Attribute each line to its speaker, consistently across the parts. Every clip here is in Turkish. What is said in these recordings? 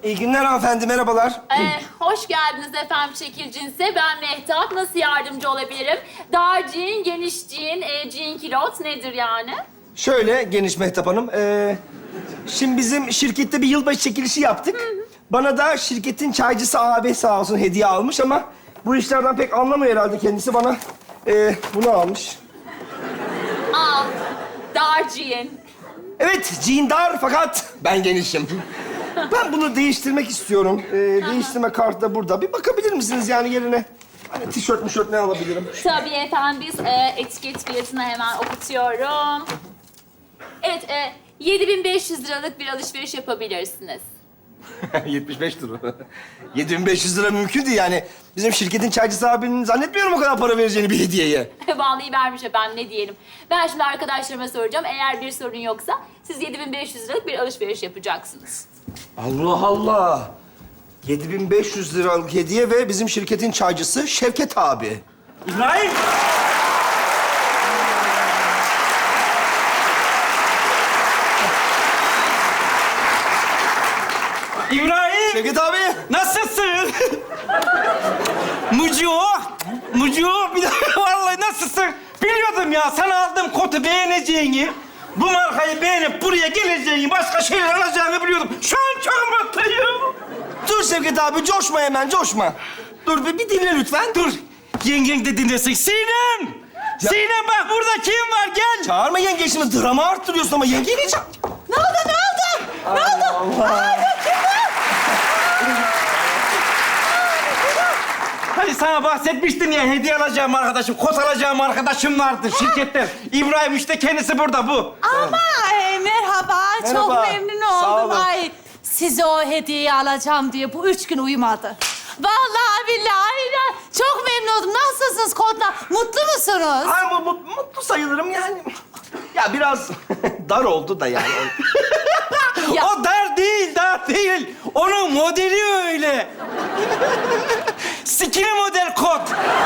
Speaker 1: İyi günler hanımefendi, merhabalar.
Speaker 2: Hoş geldiniz efendim şekil cinse. Ben Mehtap. Nasıl yardımcı olabilirim? Dar jean, geniş jean, jean kilot nedir yani?
Speaker 1: Şöyle geniş Mehtap Hanım. Şimdi bizim şirkette bir yılbaşı çekilişi yaptık. Bana da şirketin çaycısı abi sağ olsun hediye almış ama bu işlerden pek anlamıyor herhalde kendisi. Bana bunu almış.
Speaker 2: Al. Dar jean.
Speaker 1: Evet, jean dar fakat ben genişim. Ben bunu değiştirmek istiyorum. Değiştirme kartı da burada. Bir bakabilir misiniz yani yerine? Hani tişört ne alabilirim?
Speaker 2: Tabii efendim biz etiket fiyatını hemen okutuyorum. Evet, 7.500 liralık bir alışveriş yapabilirsiniz.
Speaker 1: 75 lira. 7.500 lira mümkün değil yani. Bizim şirketin çaycısı abinin zannetmiyorum o kadar para vereceğini bir hediyeye.
Speaker 2: Vallahi vermiş efendim, ne diyelim. Ben şimdi arkadaşlarıma soracağım. Eğer bir sorun yoksa siz 7.500 liralık bir alışveriş yapacaksınız.
Speaker 1: Allah Allah. 7.500 liralık hediye ve bizim şirketin çaycısı Şevket abi.
Speaker 3: İbrahim! İbrahim!
Speaker 1: Şevket abi.
Speaker 3: Nasılsın? Mucu, bir dakika vallahi nasılsın? Biliyordum ya, sana aldığım kotu beğeneceğini, bu markayı beğenip buraya geleceğini, başka şeyler alacağını biliyordum. Şu an çok mutluyum.
Speaker 1: Dur Şevket abi, coşma hemen, coşma. Dur bir dinle lütfen.
Speaker 3: Dur, yengen de dinlesin. Sinem!
Speaker 1: Ya-
Speaker 3: Sinem bak, burada kim var? Gel!
Speaker 1: Çağırma yenge, şimdi drama arttırıyorsun ama yengeyi niye çağır?
Speaker 2: Ne oldu?
Speaker 1: Allah.
Speaker 3: Hani sana bahsetmiştim ya, hediye alacağım arkadaşım, kot alacağım arkadaşım vardı şirketten. İbrahim işte kendisi burada, bu.
Speaker 4: Ama merhaba,
Speaker 1: Merhaba.
Speaker 4: çok memnun
Speaker 1: Sağ
Speaker 4: oldum.
Speaker 1: olun.
Speaker 4: Ay, size o hediyeyi alacağım diye bu 3 gün uyumadı. Vallahi billahi çok memnun oldum. Nasılsınız kodla? Mutlu musunuz?
Speaker 1: Ay, mutlu sayılırım yani. Ya biraz dar oldu da yani.
Speaker 4: Ya-
Speaker 3: O dar değil. Onun modeli öyle. Skinny model kot.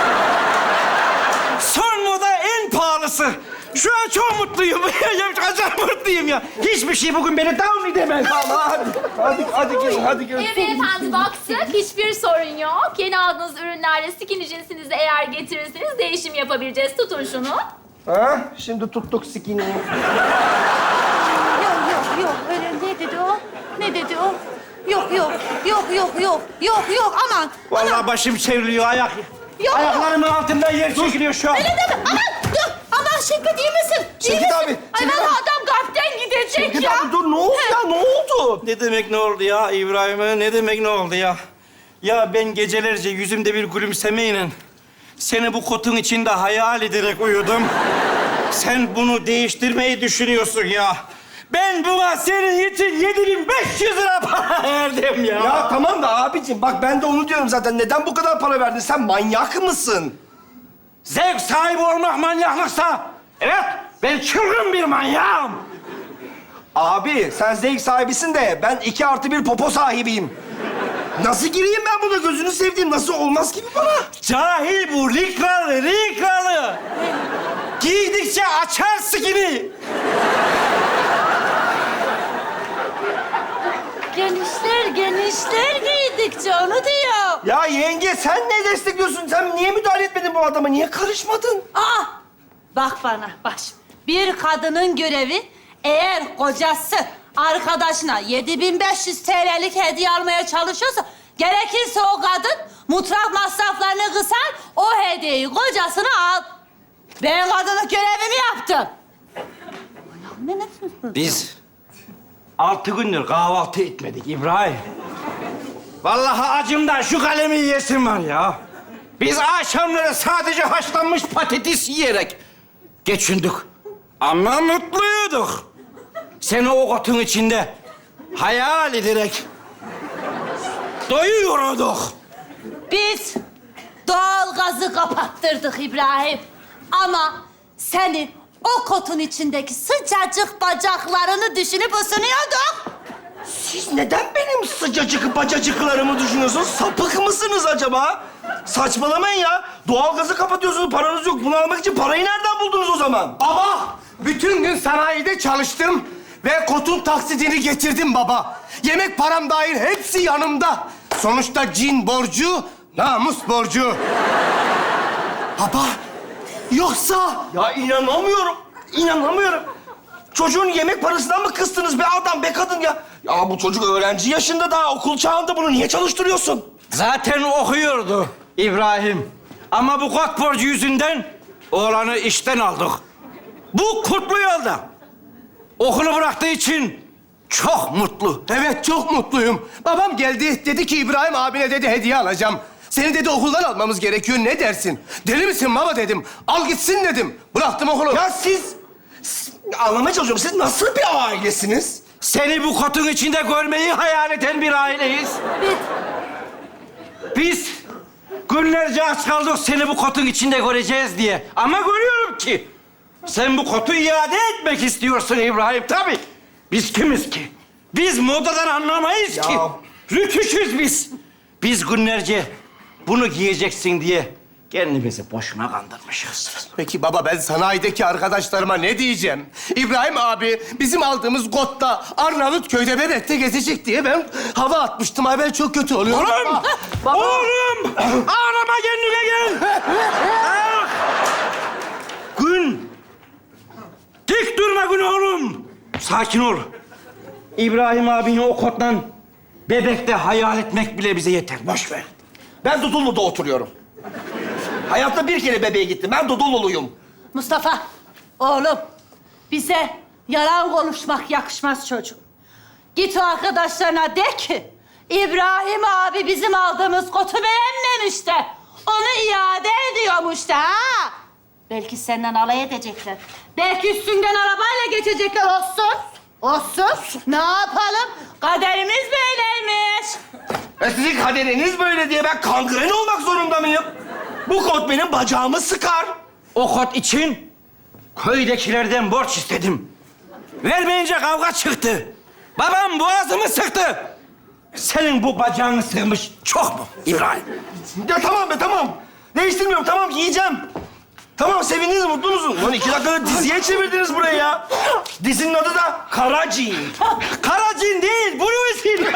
Speaker 3: Son moda en pahalısı. Şu an çok mutluyum. Acayip mutluyum ya. Hiçbir şey bugün beni down edemez.
Speaker 1: Tamam, hadi gelin.
Speaker 2: Evet efendim, baktık. Hiçbir sorun yok. Yeni aldığınız ürünlerle skinny cinsinizi eğer getirirseniz değişim yapabileceğiz. Tutun şunu.
Speaker 1: Ha? Şimdi tuttuk skinny'yi.
Speaker 4: Yok, öyle ne dedi o? Ne dedi o? Yok, aman.
Speaker 3: Vallahi başım çevriliyor,
Speaker 4: Yok.
Speaker 3: ayaklarımın altında yer çekiliyor şu an.
Speaker 4: Öyle deme, aman Şevket iyi misin?
Speaker 1: Şevket abi,
Speaker 4: Ay
Speaker 1: Şevket
Speaker 4: vallahi
Speaker 1: abi.
Speaker 4: adam kalpten gidecek
Speaker 1: Şevket
Speaker 4: ya.
Speaker 1: abi dur, ne oldu ya, ne oldu?
Speaker 3: Ne demek ne oldu ya İbrahim'e? Ne demek ne oldu ya? Ya ben gecelerce yüzümde bir gülümsemeyle seni bu kotun içinde hayal ederek uyudum. Sen bunu değiştirmeyi düşünüyorsun ya. Ben buna senin için 7.500 lira para verdim ya.
Speaker 1: Ya tamam da abicim, bak ben de onu diyorum zaten. Neden bu kadar para verdin? Sen manyak mısın?
Speaker 3: Zevk sahibi olmak manyaklıksa, evet ben çılgın bir manyağım.
Speaker 1: Abi sen zevk sahibisin de ben 2+1 popo sahibiyim. Nasıl gireyim ben buna, gözünü sevdiğim? Nasıl olmaz ki bu bana?
Speaker 3: Cahil bu, likralı. Giydikçe açar sikini.
Speaker 4: Genişler giydikçe onu diyor.
Speaker 1: Ya yenge sen ne destekliyorsun? Sen niye müdahale etmedin bu adama? Niye karışmadın?
Speaker 4: Bak bana, bak. Bir kadının görevi eğer kocası arkadaşına 7.500 TL'lik hediye almaya çalışıyorsa gerekirse o kadın mutfak masraflarını kısar, o hediyeyi kocasına al. Ben kadının görevimi yaptım. Ne?
Speaker 3: Biz 6 gündür kahvaltı etmedik İbrahim. Vallahi acımdan şu kalemi yiyesim var ya. Biz akşamları sadece haşlanmış patates yiyerek geçindik. Ama mutluyduk. Seni o kotun içinde hayal ederek doyuyorduk.
Speaker 4: Biz doğalgazı kapattırdık İbrahim. Ama senin o kotun içindeki sıcacık bacaklarını düşünüp ısınıyorduk.
Speaker 1: Siz neden benim sıcacık bacacıklarımı düşünüyorsunuz? Sapık mısınız acaba? Saçmalamayın ya. Doğalgazı kapatıyorsunuz, paranız yok. Bunu almak için parayı nereden buldunuz o zaman?
Speaker 5: Baba, bütün gün sanayide çalıştım Ve kotun taksidini getirdim baba. Yemek param dahil hepsi yanımda. Sonuçta cin borcu, namus borcu. Baba, yoksa...
Speaker 1: Ya inanamıyorum. İnanamıyorum. Çocuğun yemek parasından mı kıstınız be adam, be kadın ya? Ya bu çocuk öğrenci yaşında, daha okul çağında, bunu niye çalıştırıyorsun?
Speaker 3: Zaten okuyordu İbrahim. Ama bu kot borcu yüzünden oğlanı işten aldık. Bu kurtlu yolda. Okulu bıraktığı için çok mutlu.
Speaker 5: Evet, çok mutluyum. Babam geldi, dedi ki İbrahim abine dedi hediye alacağım. Seni dedi okuldan almamız gerekiyor, ne dersin? Deli misin baba dedim. Al gitsin dedim. Bıraktım okulu.
Speaker 1: Ya siz anlamaya çalışıyorum. Siz nasıl bir ailesiniz?
Speaker 3: Seni bu kotun içinde görmeyi hayal eden bir aileyiz. Biz günlerce aç kaldık seni bu kotun içinde göreceğiz diye. Ama görüyorum ki sen bu kotu iade etmek istiyorsun İbrahim. Tabii. Biz kimiz ki? Biz modadan anlamayız
Speaker 1: Ya.
Speaker 3: ki. Rütüşüz biz. Biz günlerce bunu giyeceksin diye kendimizi boşuna kandırmışız.
Speaker 5: Peki baba, ben sanayideki arkadaşlarıma ne diyeceğim? İbrahim abi bizim aldığımız kotta Arnavutköy'de Bebek'te gezecek diye ben hava atmıştım. Ay ben çok kötü oluyorum.
Speaker 3: Oğlum! Oğlum! Ağlama, kendine gel! Ah! Gün! Dik durma Gün oğlum! Sakin ol. İbrahim abini o kottan Bebek'te hayal etmek bile bize yeter. Boş ver.
Speaker 1: Ben Dudullu'da oturuyorum. Hayatta bir kere bebeğe gittim. Ben Dudulluluyum.
Speaker 4: Mustafa, oğlum bize yalan konuşmak yakışmaz çocuğum. Git o arkadaşlarına de ki İbrahim abi bizim aldığımız kotu beğenmemiş de onu iade ediyormuş da ha. Belki senden alay edecekler. Belki üstünden arabayla geçecekler, olsun. Olsun. Ne yapalım? Kaderimiz böyleymiş.
Speaker 1: Sizin kaderiniz böyle diye ben kangren olmak zorunda mıyım? Bu kot benim bacağımı sıkar.
Speaker 3: O kot için köydekilerden borç istedim. Vermeyince kavga çıktı. Babam boğazımı sıktı. Senin bu bacağını sıkmış çok mu İbrahim?
Speaker 1: Ya tamam be, tamam. Değiştirmiyorum, tamam, giyeceğim. Tamam, sevindiniz, mutlu musunuz? Lan 2 dakikada diziye çevirdiniz burayı ya. Dizinin adı da Karacin.
Speaker 3: Karacin değil, Bluesin.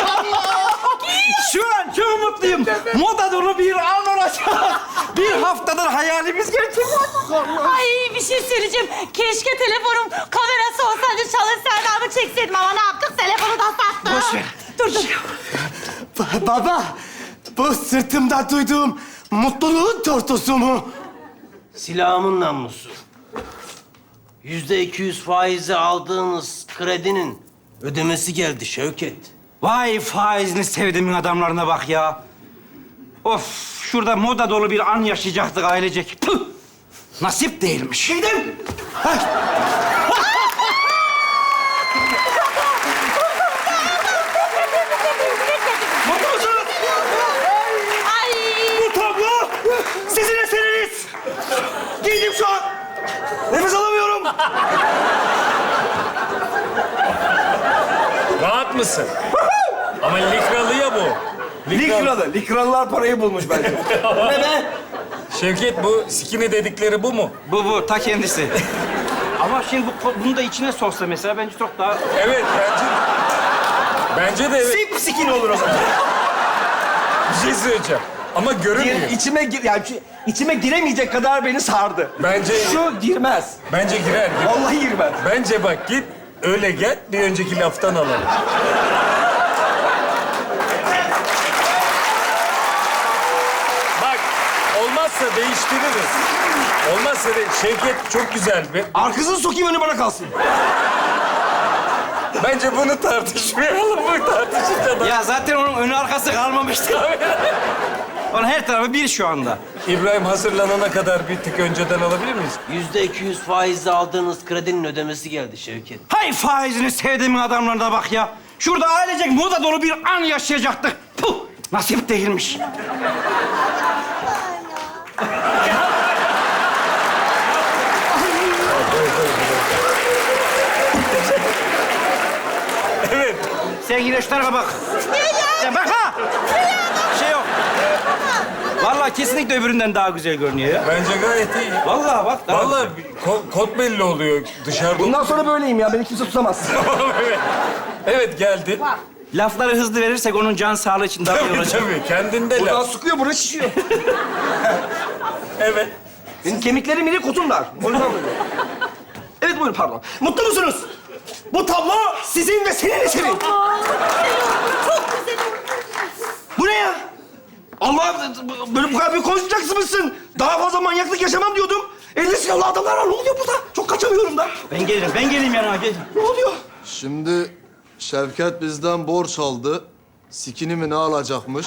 Speaker 3: Şu an çok mutluyum. Moda dolu bir an olacak. Bir haftadır hayalimiz gerçekleşti.
Speaker 4: Ay bir şey söyleyeceğim. Keşke telefonum kamerası olsaydı, çalışsaydı ama çekseydim ama ne yaptık? Telefonu da sattım.
Speaker 3: Boş ver.
Speaker 4: Dur.
Speaker 5: Baba, bu sırtımda duyduğum mutluluğun tortusu mu?
Speaker 6: Silahımın namlusu. %200 faizi aldığınız kredinin ödemesi geldi Şevket.
Speaker 3: Vay faizini sevdiğimin adamlarına bak ya. Of, şurada moda dolu bir an yaşayacaktık ailecek. Püh! Nasip değilmiş.
Speaker 1: Giydim. Mutlu musunuz?
Speaker 4: Ay.
Speaker 1: Bu tablo sizin eseriniz. Giydim şu an. Nefes alamıyorum.
Speaker 7: Rahat mısın? Ama likralı ya bu.
Speaker 1: Likralı. Likralılar parayı bulmuş bence. Ne be?
Speaker 7: Şevket, bu skinny dedikleri bu mu?
Speaker 3: Bu ta kendisi. Ama şimdi bunu da içine sosla mesela bence çok daha...
Speaker 7: Evet, bence de evet.
Speaker 1: Sipsikin olur o zaman.
Speaker 7: Bir şey söyleyeceğim. Ama görünmüyor.
Speaker 1: İçime giremeyecek kadar beni sardı.
Speaker 7: Bence
Speaker 1: Şu girmez.
Speaker 7: bence girer.
Speaker 1: Vallahi girmez.
Speaker 7: Bence bak git öyle gel, bir önceki laftan alalım. Bak, olmazsa değiştiririz. Olmazsa Şevket çok güzel.
Speaker 1: Arkasını sokayım, önü bana kalsın.
Speaker 7: Bence bunu tartışmayalım. Bu tartışınca da...
Speaker 3: Ya zaten onun önü arkası kalmamıştı. Onun her tarafı bir şu anda.
Speaker 7: İbrahim hazırlanana kadar bir tık önceden alabilir miyiz?
Speaker 6: %200 faizle aldığınız kredinin ödemesi geldi Şevket.
Speaker 3: Hay faizini sevdiğimin adamlarına bak ya. Şurada ailecek moda dolu bir an yaşayacaktık. Puh! Nasip değilmiş.
Speaker 7: Evet.
Speaker 3: Sen yine şu tarafa bak. Ya bak ha! Bir şey yok. Vallahi kesinlikle öbüründen daha güzel görünüyor ya.
Speaker 7: Bence gayet iyi.
Speaker 3: Vallahi bak. daha
Speaker 7: Vallahi kot belli oluyor dışarıda.
Speaker 1: Bundan sonra böyleyim ya. Beni kimse tutamaz.
Speaker 7: Evet. Evet geldi.
Speaker 3: Lafları hızlı verirsek onun can sağlığı için daha iyi
Speaker 7: Tabii
Speaker 3: olacak.
Speaker 7: tabii. Kendinde
Speaker 1: Buradan
Speaker 7: laf.
Speaker 1: sıkıyor, burası şişiyor.
Speaker 7: Evet.
Speaker 1: Benim kemiklerim iri, kutum dar. O yüzden böyle. Evet, buyurun, pardon. Mutlu musunuz? Bu tablo sizin ve senin eserin.
Speaker 4: Çok güzel oldu.
Speaker 1: Bu ne ya? Allah, böyle bu kadar bir konuşacaksın mısın? Daha fazla manyaklık yaşamam diyordum. Elde silahlı adamlar var. Ne oluyor burada? Çok kaçamıyorum da.
Speaker 3: Ben gelirim yanına. Gel.
Speaker 1: Ne oluyor?
Speaker 8: Şimdi Şevket bizden borç aldı. Sikini mi ne alacakmış?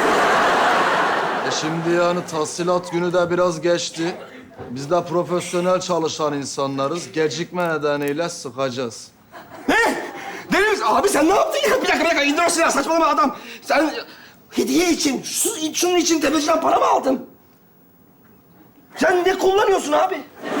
Speaker 8: Şimdi yani tahsilat günü de biraz geçti. Biz de profesyonel çalışan insanlarız. Gecikme nedeniyle sıkacağız.
Speaker 1: Ne? Deli misin? Abi sen ne yaptın ya? Bir dakika, indir o silahı. Saçmalama adam. Sen hediye için, şunun için tepeciden para mı aldın? Sen ne kullanıyorsun abi?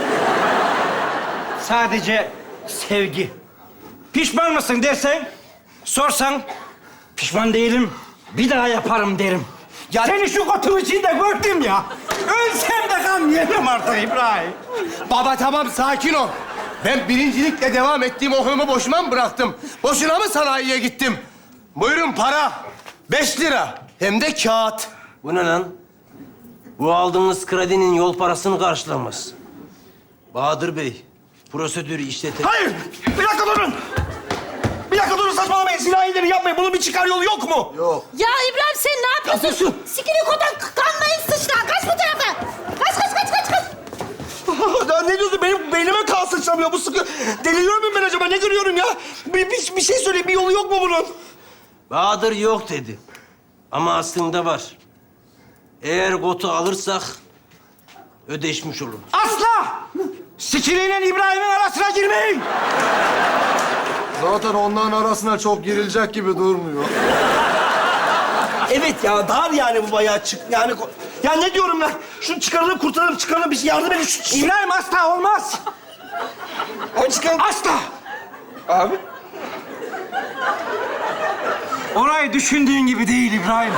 Speaker 3: Sadece sevgi. Pişman mısın dersen, sorsan pişman değilim, bir daha yaparım derim.
Speaker 1: Ya-
Speaker 3: Seni şu kotun içinde gördüm ya. Ölsem de gam yemem artık İbrahim.
Speaker 5: Baba tamam sakin ol. Ben birincilikle devam ettiğim okulumu boşuna mı bıraktım? Boşuna mı sanayiye gittim? Buyurun para. 5 lira. Hem de kağıt.
Speaker 6: Bu ne lan? Bu aldığınız kredinin yol parasını karşılamaz. Bahadır Bey, prosedürü işletin.
Speaker 1: Hayır! Bir dakika durun! Bir dakika durun, saçmalamayın. Silah ileri yapmayın. Bunun bir çıkar yolu yok mu?
Speaker 8: Yok.
Speaker 4: Ya İbrahim sen ne yapıyorsun? Sikini kodan kanmayın sıçra. Kaç bu tarafa. Kaç.
Speaker 1: Ya ne diyorsun? Benim beynime kan sıçramıyor. Bu sıkı... Deliriyor muyum ben acaba? Ne görüyorum ya? Bir şey söyle. Bir yolu yok mu bunun?
Speaker 6: Bahadır yok dedi. Ama aslında var. Eğer kotu alırsak ödeşmiş olur.
Speaker 3: Asla! Sikiliyle İbrahim'in arasına girmeyin.
Speaker 8: Zaten onların arasına çok girilecek gibi durmuyor.
Speaker 1: Evet ya, dar yani bu bayağı çık... Yani... Ya ne diyorum ben? Şunu çıkaralım, kurtaralım, bir şey yardım edin.
Speaker 3: İbrahim asla olmaz.
Speaker 1: Abi çıkaralım.
Speaker 3: Asla.
Speaker 1: Abi.
Speaker 3: Orayı düşündüğün gibi değil İbrahim.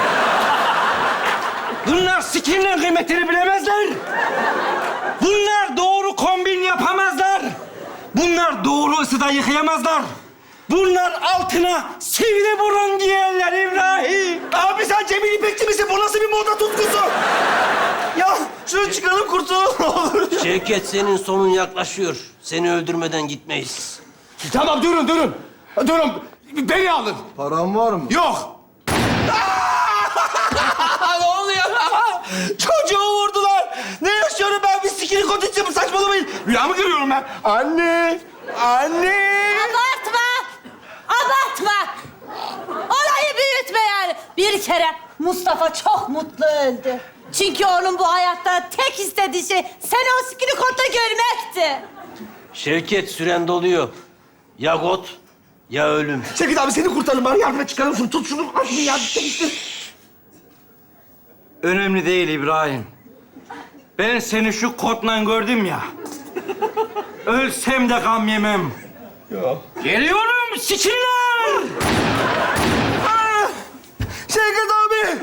Speaker 3: Bunlar sikinin kıymetini bilemezler. Bunlar doğru kombin yapamazlar. Bunlar doğru ısıda yıkayamazlar. Bunlar altına sivri burun giyerler İbrahim.
Speaker 1: Abi sen Cemil İpekçi misin? Bu nasıl bir moda tutkusu? Ya şunu çıkaralım, kurtulalım ne olur.
Speaker 6: Şevket senin sonun yaklaşıyor. Seni öldürmeden gitmeyiz.
Speaker 5: Tamam durun. Durun. Beni alın.
Speaker 8: Param var mı?
Speaker 5: Yok.
Speaker 1: Ne oluyor? Çocuğu vurdular. Ne yaşıyorum ben? Bir sikini kot içeceğim. Saçmalamayın. Rüya mı görüyorum ben? Anne!
Speaker 4: Abartma. Olayı büyütme yani. Bir kere Mustafa çok mutlu öldü. Çünkü onun bu hayatta tek istediği şey seni o sikini kotta görmekti.
Speaker 6: Şevket süren doluyor. Ya kot ya ölüm.
Speaker 1: Şevket abi seni kurtaralım. Bana yardım et, çıkaralım şunu. Tut şunu. Al şunu yardım et.
Speaker 3: Önemli değil İbrahim. Ben seni şu kotla gördüm ya. Ölsem de gam yemem. Geliyorum sikinler!
Speaker 1: Şevket abi!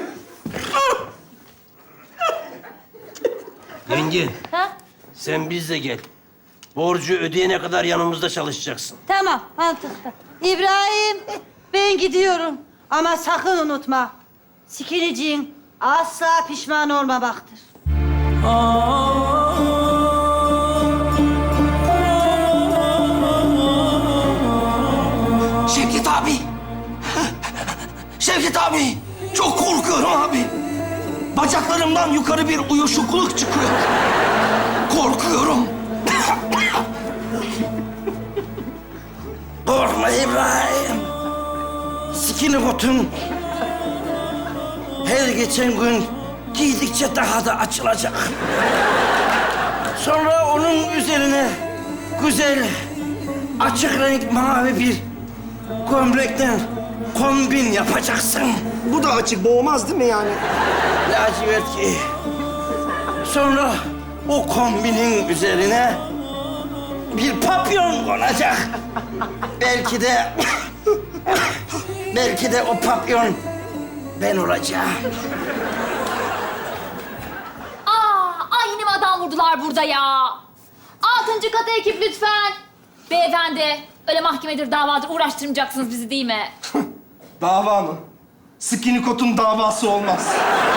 Speaker 6: Yenge
Speaker 4: Ha?
Speaker 6: sen bizle gel. Borcu ödeyene kadar yanımızda çalışacaksın.
Speaker 4: Tamam, mantıklı. İbrahim, ben gidiyorum. Ama sakın unutma. Sikiniciğin asla pişman olmamaktır.
Speaker 1: Şevket abi! Şevket abi! Çok korkuyorum abi. Bacaklarımdan yukarı bir uyuşukluk çıkıyor. Korkuyorum.
Speaker 3: Korkma İbrahim. Sikini kotun her geçen gün giydikçe daha da açılacak. Sonra onun üzerine güzel açık renk mavi bir gömlekten kombin yapacaksın.
Speaker 1: Bu da açık, boğmaz değil mi yani?
Speaker 3: Lacivert giy. Sonra o kombinin üzerine bir papyon konacak. Belki de o papyon ben olacağım.
Speaker 2: kurdular burada ya. 6. kata ekip lütfen. Beyefendi, öyle mahkemedir, davadır uğraştırmayacaksınız bizi değil mi?
Speaker 1: Dava mı? Skinny Kot'un davası olmaz.